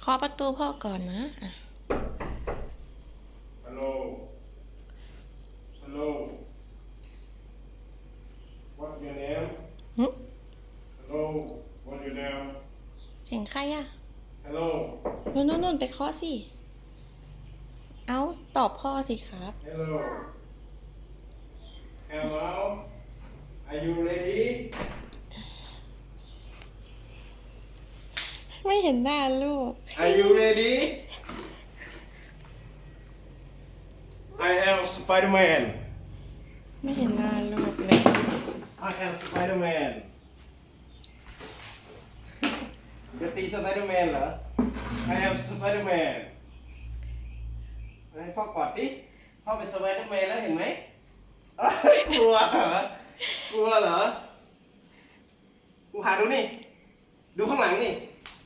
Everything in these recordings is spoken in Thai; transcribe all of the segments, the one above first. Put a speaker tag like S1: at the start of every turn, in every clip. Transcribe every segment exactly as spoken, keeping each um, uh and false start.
S1: าะประตูพ่อก่อนนะอ่ะ
S2: Hello. Hello. What's your name?
S1: หึ
S2: Hello. What's your name?
S1: เสียงใครอะ
S2: Hello.
S1: นู่นนู่นนู่นไปเคาะสิ เอาตอบพ่อสิครับ
S2: Hello. Hello. Are you ready?
S1: ไม่เห็นหน้าลูก
S2: Are you ready? I am Spider-Man.
S1: ไม่เห็นหน้าลูกเลย
S2: I am Spider-Man. จะตี Spider-Man เหรอ I am Spider-Man ให้พ่อกอดดิพ่อเป็น Spider-Man แล้วเห็นไหมเอ้ยกลัวเหรอกลัวเหรอกูหาดูนี่ ดูข้างหลังนี่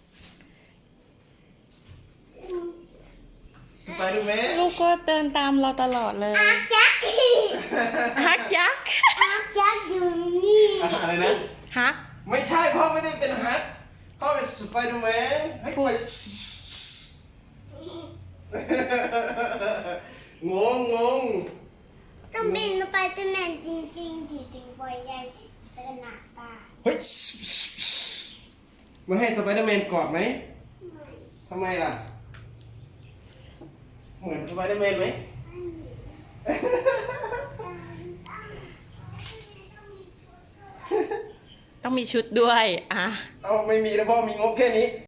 S2: Spider-Man
S1: ลูกก็เดินตามเราตลอดเลย
S3: ยักษ์
S1: ฮักยักษ์
S3: ยักษ์ยักษ์อยู่นี่
S2: อะไรนะ
S1: ฮัก
S2: ไม่ใช่พ่อไม่ได้เป็นฮักพ่อเป็น Spider-Man เฮ้ย
S1: พูด
S2: ไปงงงง
S3: ต้องเป็นสไปเดอร์แมนจริงๆดิถึงปล่อยยายขนาดตา
S2: เฮ้ยมาให้สไปเดอร์แมนกอดไหมทำไมล่ะ เหมือนสไปเดอร์แมนไหม
S1: ต้องมีชุดด้วย อ่ะ
S2: เอาไม่มีแล้วพ่อมีงบแค่นี้